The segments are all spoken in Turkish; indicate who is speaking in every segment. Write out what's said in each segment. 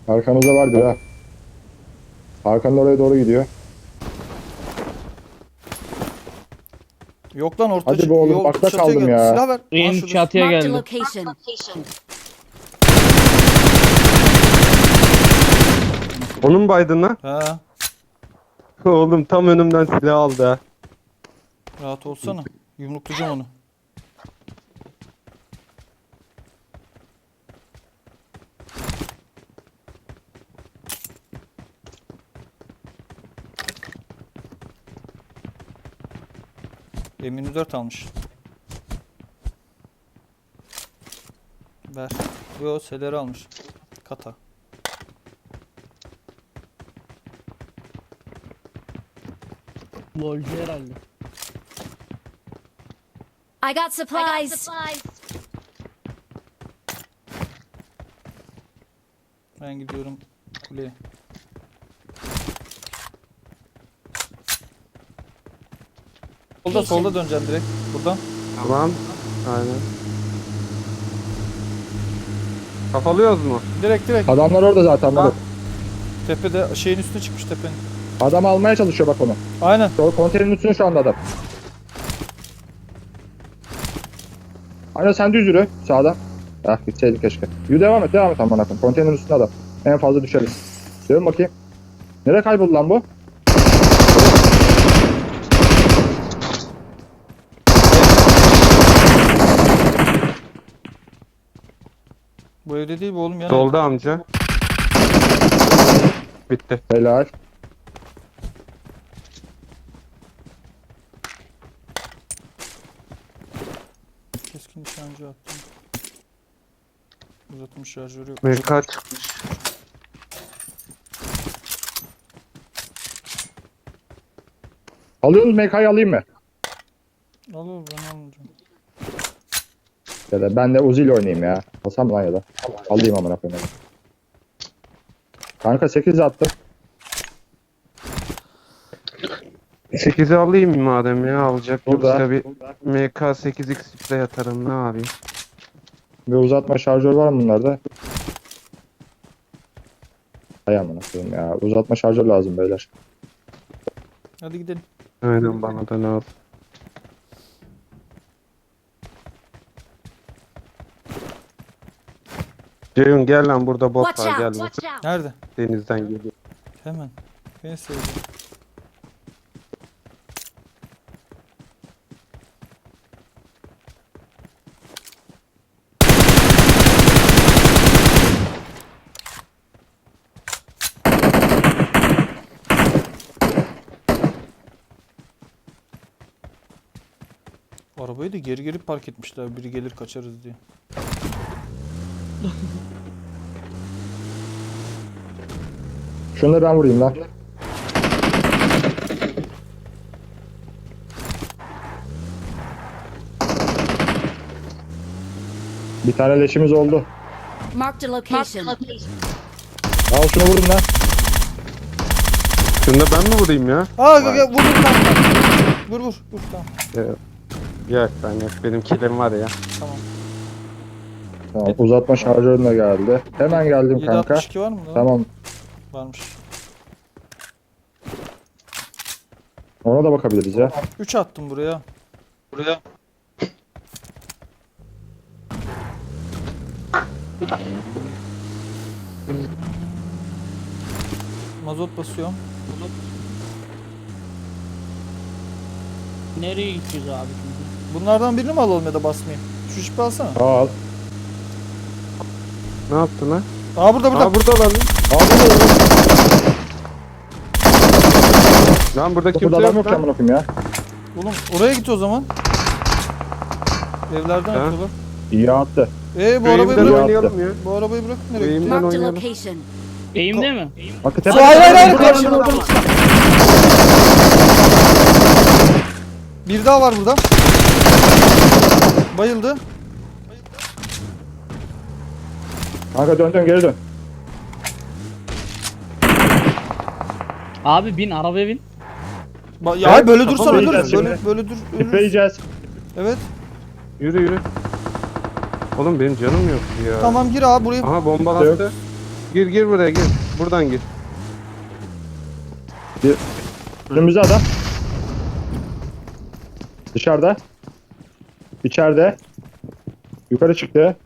Speaker 1: Arkamızda var bir ha. Hakan oraya doğru gidiyor.
Speaker 2: Yok lan orta
Speaker 1: Hadi be oğlum,
Speaker 2: yol
Speaker 1: bakta
Speaker 2: çatıya
Speaker 1: kaldım
Speaker 2: geldi.
Speaker 1: ya.
Speaker 2: Silah ver. Aa,
Speaker 3: En
Speaker 2: şurada.
Speaker 3: çatıya
Speaker 4: Marked a
Speaker 3: geldi.
Speaker 4: location.
Speaker 5: Onun baydın lan.
Speaker 2: Ha,
Speaker 5: Oğlum tam önümden silah aldı ha.
Speaker 2: rahat olsana. Yumruklayacağım onu. M24 almış. Ver. Yo, seleri almış. Kata.
Speaker 3: Lolcu herhalde.
Speaker 4: I got supplies.
Speaker 2: Ben gidiyorum kuleye. Solda döneceğim direkt. Buradan.
Speaker 5: Tamam. Aynen. Kafalıyoruz mu?
Speaker 2: Direkt.
Speaker 1: Adamlar orada zaten.
Speaker 5: Ha.
Speaker 1: Bak.
Speaker 2: Tepede şeyin üstüne çıkmış tepenin.
Speaker 1: Adam almaya çalışıyor bak onu.
Speaker 2: Aynen.
Speaker 1: Konteynerin üstünde şu anda adam. Aynen, sen düz yürü sağdan. Ah, gitseydin keşke. Yürü, devam et aman akım. Konteynerin üstünde adam. En fazla düşeriz. Dön bakayım. Nereye kayboldu lan bu?
Speaker 2: Bu evde değil bu oğlum yani.
Speaker 5: Solda amca. Bitti.
Speaker 1: Helal.
Speaker 2: Keskin nişancı attım. Uzatılmış şarjörü yok.
Speaker 5: MK çıkmış.
Speaker 1: Alıyorsunuz, MK'yı alayım mı?
Speaker 2: Al ben almayacağım.
Speaker 1: Ya da ben de Uzi ile oynayayım ya. Alsam lan ya da. Alayım amına koyayım. Kanka 8 attım.
Speaker 5: 8'i alayım madem ya, alacak
Speaker 1: Burada.
Speaker 5: yoksa bir MK 8x de yatarım, ne yapayım?
Speaker 1: Bir uzatma şarjör var mı bunlarda? Hay amına koyayım ya. Uzatma şarjör lazım beyler.
Speaker 2: Hadi gidelim.
Speaker 5: Aynen, bana da lazım. Ceyhun gel lan, burada bot
Speaker 4: Watch
Speaker 5: var, gel
Speaker 4: out.
Speaker 5: bak.
Speaker 4: Watch out.
Speaker 2: Nerede?
Speaker 5: Denizden geliyor.
Speaker 2: Hemen. Beni sevdim. Arabayı da geri geri park etmişler. Biri gelir kaçarız diye.
Speaker 1: Şunları ben vurayım lan. Bir tane leşimiz oldu.
Speaker 4: Marked a location.
Speaker 1: Al şunu, vurun lan.
Speaker 5: Şunu da ben mi vurayım ya?
Speaker 2: Aa gel vur vur. Vur tamam.
Speaker 5: Yok ben yok, benim killim var ya.
Speaker 2: Tamam.
Speaker 1: Tamam, uzatma şarjörün de geldi. Hemen geldim kanka.
Speaker 2: 762 var mı lan?
Speaker 1: Tamam.
Speaker 2: Varmış.
Speaker 1: Ona da bakabiliriz ya.
Speaker 2: 3 attım buraya. Mazot basıyorum.
Speaker 3: Nereye gideceğiz abi şimdi?
Speaker 2: Bunlardan birini mi alalım ya da basmayayım? Şu jipi alsana.
Speaker 1: Al.
Speaker 5: Ne yaptın lan?
Speaker 2: Aa burada.
Speaker 5: Aa, burada lan.
Speaker 1: Al bunu.
Speaker 5: Lan burada kimse
Speaker 1: Burada adam
Speaker 5: yok
Speaker 1: yok ki
Speaker 5: lan.
Speaker 1: amına koyayım ya.
Speaker 2: Oğlum oraya git o zaman. Evlerden
Speaker 5: Ha?
Speaker 2: atıyorlar.
Speaker 1: İyi attı.
Speaker 2: Bu
Speaker 5: Şu
Speaker 2: arabayı
Speaker 5: eğimden
Speaker 2: bırak.
Speaker 5: oynayalım ya.
Speaker 2: Bu arabayı bırak nereye
Speaker 5: Bu
Speaker 2: gitti?
Speaker 5: eğimden
Speaker 4: Marked a
Speaker 5: oynayalım.
Speaker 4: location.
Speaker 3: Eğimde mi?
Speaker 1: Bak
Speaker 2: Hayır karşımda. Bir daha var burada. Bayıldı.
Speaker 1: Kanka dön geri dön.
Speaker 3: Abi bin arabaya bin.
Speaker 2: Ya
Speaker 1: Evet,
Speaker 2: böyle dursan
Speaker 1: kafamı
Speaker 2: ölürüz.
Speaker 1: yiyeceğiz
Speaker 2: Böyle dur. ölürüz.
Speaker 1: Tipleyeceğiz.
Speaker 2: Evet.
Speaker 5: Yürü. Oğlum benim canım yok ya.
Speaker 2: Tamam gir abi buraya.
Speaker 5: Aha bomba
Speaker 1: Yok.
Speaker 5: attı. Gir buraya gir. Buradan gir.
Speaker 1: Önümüzde adam. Dışarıda. İçeride. Yukarı çıktı.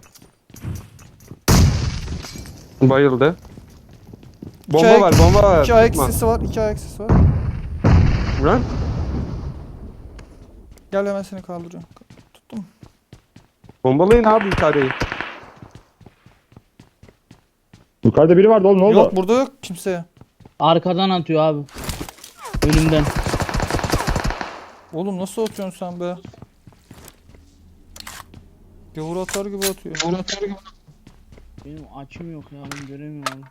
Speaker 5: Bayıldı. Bomba
Speaker 2: ayak-
Speaker 5: var, bomba var.
Speaker 2: 2 ayak
Speaker 5: Tutma.
Speaker 2: sesi var. 2 ayak sesi var.
Speaker 5: Lan.
Speaker 2: Gel hemen seni kaldırıyorum. Tuttum.
Speaker 5: Bombalayın abi yukarıyı.
Speaker 1: Yukarıda biri vardı oğlum, ne oldu?
Speaker 2: Yok burada yok kimse.
Speaker 3: Arkadan atıyor abi. Önümden.
Speaker 2: Oğlum nasıl atıyorsun sen be? Gavur atar gibi atıyor.
Speaker 3: Benim açım yok ya, ben göremiyorum abi.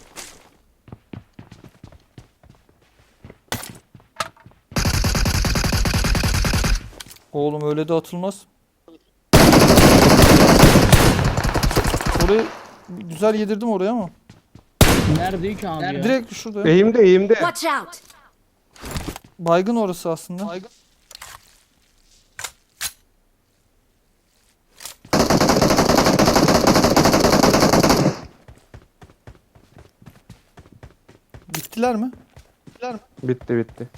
Speaker 2: Oğlum öyle de atılmaz. Orayı güzel yedirdim oraya ama.
Speaker 3: Nerede ki abi ya?
Speaker 2: Direkt şurada.
Speaker 5: Eğimde.
Speaker 4: Watch out!
Speaker 2: Baygın orası aslında. Bittiler mi?
Speaker 5: Bitti.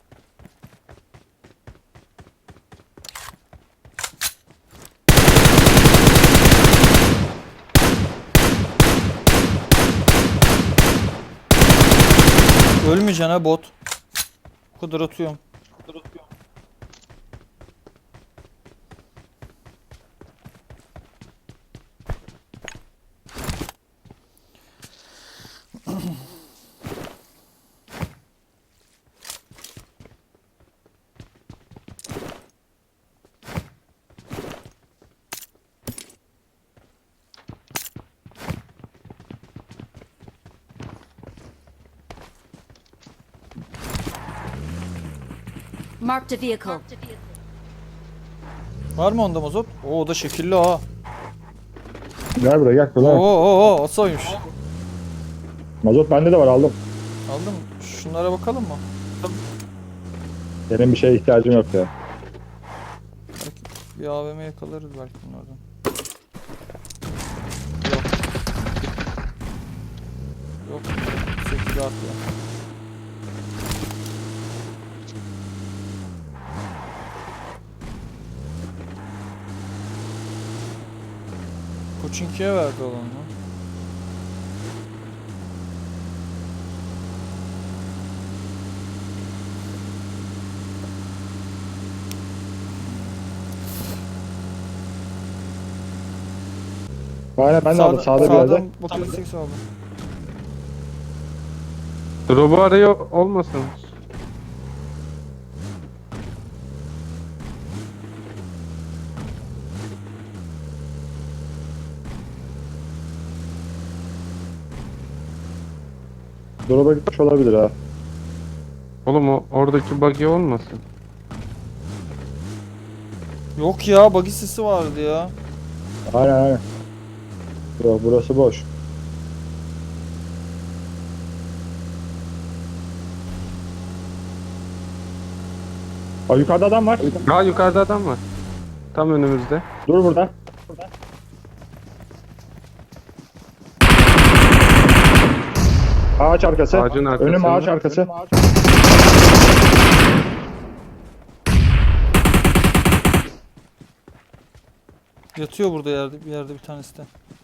Speaker 2: Ölmeyeceksin ha bot. Bu kadar atıyorum.
Speaker 4: Marked a vehicle.
Speaker 2: Var mı onda mazot? Oo o da şekilli ha.
Speaker 1: Gel buraya gel. Kullan.
Speaker 2: Oo asaymış.
Speaker 1: Mazot bende de var, aldım.
Speaker 2: Aldın mı? Şunlara bakalım mı?
Speaker 1: Benim bir şeye ihtiyacım yok ya.
Speaker 2: Bir AVM yakalarız belki bunlardan. Yok. 8 artı. Koçinki'ye verdi olanı.
Speaker 1: Aynen ben de aldım sağda bir yerde.
Speaker 2: Sağdan bakıyoruz 8 aldım.
Speaker 5: Drop'u arıyor olmasın.
Speaker 1: Drop'a gitmiş olabilir ha.
Speaker 5: Oğlum oradaki buggy olmasın.
Speaker 2: Yok ya buggy sesi vardı ya.
Speaker 1: Aynen. Yok, burası boş. Aa, yukarıda adam var.
Speaker 5: Ha yukarıda adam var. Tam önümüzde.
Speaker 1: Dur burada. Ağaç arkası.
Speaker 5: Ağacın arkasında.
Speaker 1: Önüm ağaç arkası.
Speaker 2: Yatıyor burada bir yerde bir tanesi de.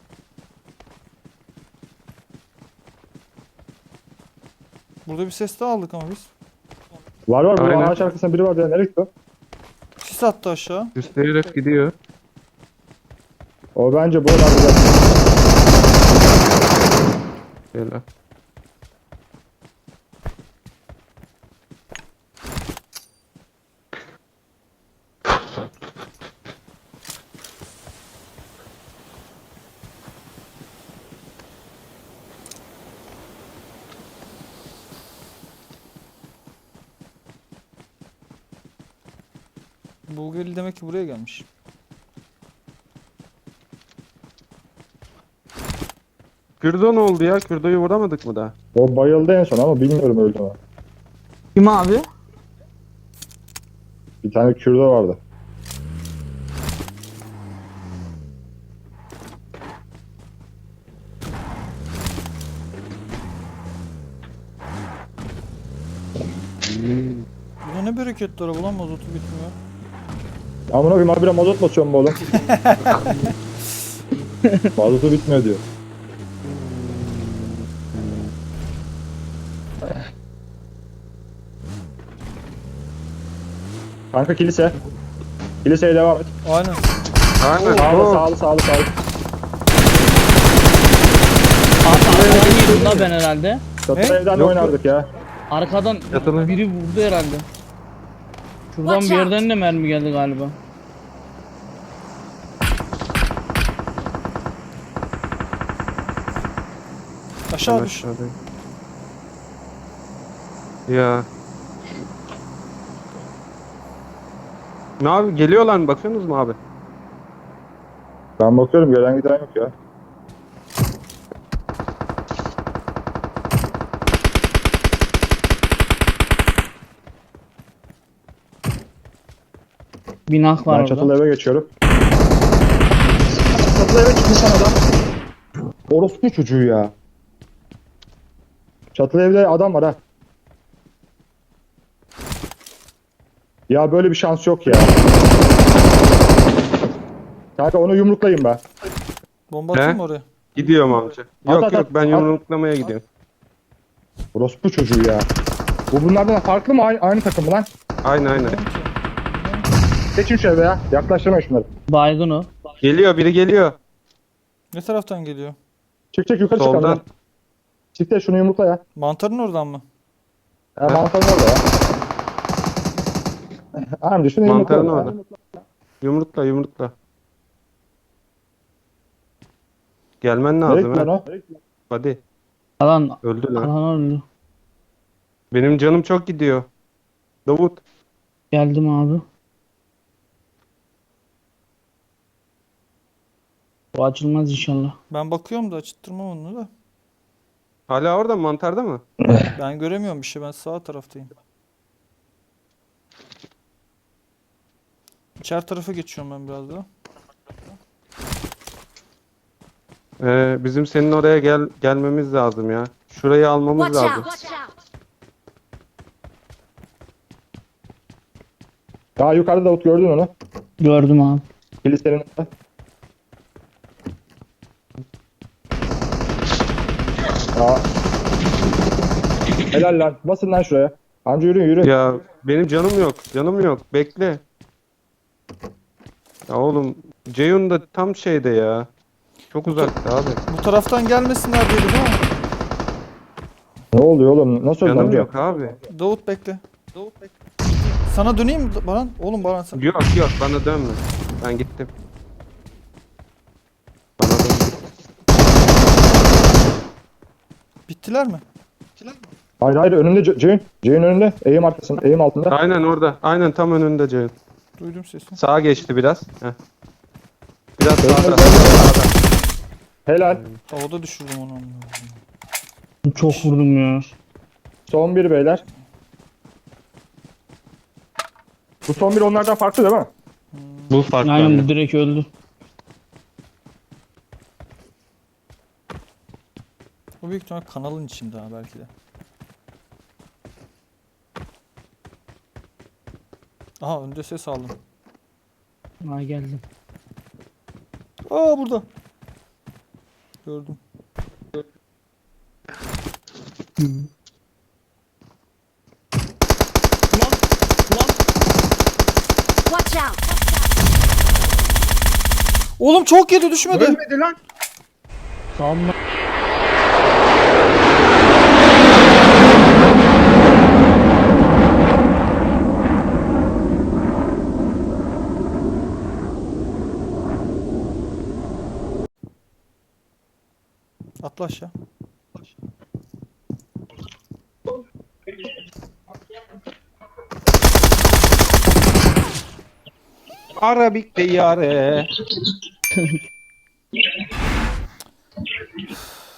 Speaker 2: Burada bir ses daha aldık ama biz.
Speaker 1: Var burada
Speaker 5: Aynen.
Speaker 1: ağaç arkasında biri var ya, nereye gitti o?
Speaker 2: Sis attı aşağı.
Speaker 5: Üstleyerek gidiyor.
Speaker 1: O bence burada.
Speaker 5: Şöyle.
Speaker 2: Bulgari demek ki buraya gelmiş.
Speaker 5: Kürdo ne oldu ya? Kürdo'yu vuramadık mı daha?
Speaker 1: O bayıldı en son ama bilmiyorum öldü mü.
Speaker 3: Kim abi?
Speaker 1: Bir tane Kürdo vardı.
Speaker 2: Bu da ne bereketli araba lan, mazotu bitmiyor.
Speaker 1: Amına koyayım habire mazot basıyorum bu oğlum. Mazotu bitmiyor diyor. Kanka kilise. Kiliseye devam et.
Speaker 2: Aynen.
Speaker 5: Aynen.
Speaker 1: Sağlı
Speaker 5: Oo.
Speaker 1: sağlı sağlı sağlı.
Speaker 3: Arkadan yedim la ben herhalde.
Speaker 1: Çatı
Speaker 2: Ne?
Speaker 1: evden de
Speaker 5: Yok,
Speaker 1: oynardık ya.
Speaker 3: Arkadan
Speaker 5: Yatılı.
Speaker 3: biri vurdu herhalde. Şuradan
Speaker 4: Watch
Speaker 3: bir
Speaker 4: out.
Speaker 3: yerden de mermi geldi galiba.
Speaker 2: Aşağı düş.
Speaker 5: Aşağıdayım. Ya. Ne abi geliyorlar mı, bakıyorsunuz mu abi?
Speaker 1: Ben bakıyorum gelen giden yok ya.
Speaker 3: Binak var
Speaker 1: Ben
Speaker 3: orada.
Speaker 1: çatılı eve geçiyorum. Çatılı eve çıkmış lan adam. Orospu çocuğu ya. Çatılı evde adam var ha. Ya böyle bir şans yok ya. Kanka onu yumruklayayım ben.
Speaker 2: Bomba atayım
Speaker 5: He?
Speaker 2: mı oraya?
Speaker 5: Gidiyorum amca.
Speaker 1: At,
Speaker 5: Yok
Speaker 1: at,
Speaker 5: yok
Speaker 1: at,
Speaker 5: ben
Speaker 1: at.
Speaker 5: yumruklamaya gidiyorum.
Speaker 1: Orospu çocuğu ya. Bu bunlardan farklı mı? Aynı takım mı lan?
Speaker 5: Aynen.
Speaker 1: Geçin şu eve ya. Yaklaştırmayın şunları.
Speaker 3: Baygın o.
Speaker 5: Geliyor, biri geliyor.
Speaker 2: Ne taraftan geliyor?
Speaker 1: Çık yukarı çık
Speaker 5: Soldan.
Speaker 1: hadi. Çık de şunu yumrukla ya.
Speaker 2: Mantarın oradan mı?
Speaker 1: Mantarın orada ya. Amca şunu yumrukla.
Speaker 5: Mantarın
Speaker 1: ya.
Speaker 5: orada. Yumrukla. Gelmen
Speaker 1: Nereye
Speaker 5: lazım
Speaker 1: gitti lan
Speaker 5: ha.
Speaker 1: o?
Speaker 5: Hadi.
Speaker 3: Alan
Speaker 5: Öldü lan.
Speaker 3: alan öldü.
Speaker 5: Benim canım çok gidiyor. Davut.
Speaker 3: Geldim abi. Bu açılmaz inşallah.
Speaker 2: Ben bakıyorum da açıttırmam onu da.
Speaker 5: Hala orada mı, mantarda mı?
Speaker 2: Ben göremiyorum bir şey, ben sağ taraftayım. İçeri tarafa geçiyorum ben biraz daha.
Speaker 5: Bizim senin oraya gelmemiz lazım ya. Şurayı almamız
Speaker 4: Watch
Speaker 5: lazım.
Speaker 4: out! Watch out!
Speaker 1: Ya yukarıda Davut gördün onu.
Speaker 3: Gördüm abi.
Speaker 1: Kilisenin orada. Aa. Helal lan. Basın lan şuraya. Amca yürü.
Speaker 5: Ya benim canım yok. Bekle. Ya oğlum Ceyhun da tam şeyde ya. Çok uzakta abi.
Speaker 2: Bu taraftan gelmesinler dedi değil mi?
Speaker 1: Ne oluyor oğlum? Nasıl öldü
Speaker 5: Canım
Speaker 1: amca?
Speaker 5: yok abi.
Speaker 2: Davut bekle. Sana döneyim mi Baran? Oğlum Baran sen.
Speaker 5: Yok bana dönme. Ben gittim. Bana dön.
Speaker 2: Bittiler mi?
Speaker 1: Hayır önünde Ceyhun. Ceyhun önünde. Eğim arkasında. Eğim altında.
Speaker 5: Aynen orada. Aynen tam önünde Ceyhun.
Speaker 2: Duydum sesini.
Speaker 5: Sağa geçti biraz. Heh. Biraz sağda.
Speaker 1: Helal.
Speaker 2: Havada düşürdüm onu.
Speaker 3: Çok vurdum ya.
Speaker 1: Son bir beyler. Bu son bir onlardan farklı değil mi?
Speaker 5: Bu farklı.
Speaker 3: Aynen bu direkt öldü.
Speaker 2: Bu büyük ihtimal kanalın içinde ha belki de. Aha önde ses aldım.
Speaker 3: Ha geldim.
Speaker 2: Aa burada. Gördüm.
Speaker 4: Watch out!
Speaker 2: Oğlum çok yedi, düşmedi.
Speaker 1: Ölmedi lan.
Speaker 3: Sağımda.
Speaker 2: Atla aşağı.
Speaker 5: Arabik de yare.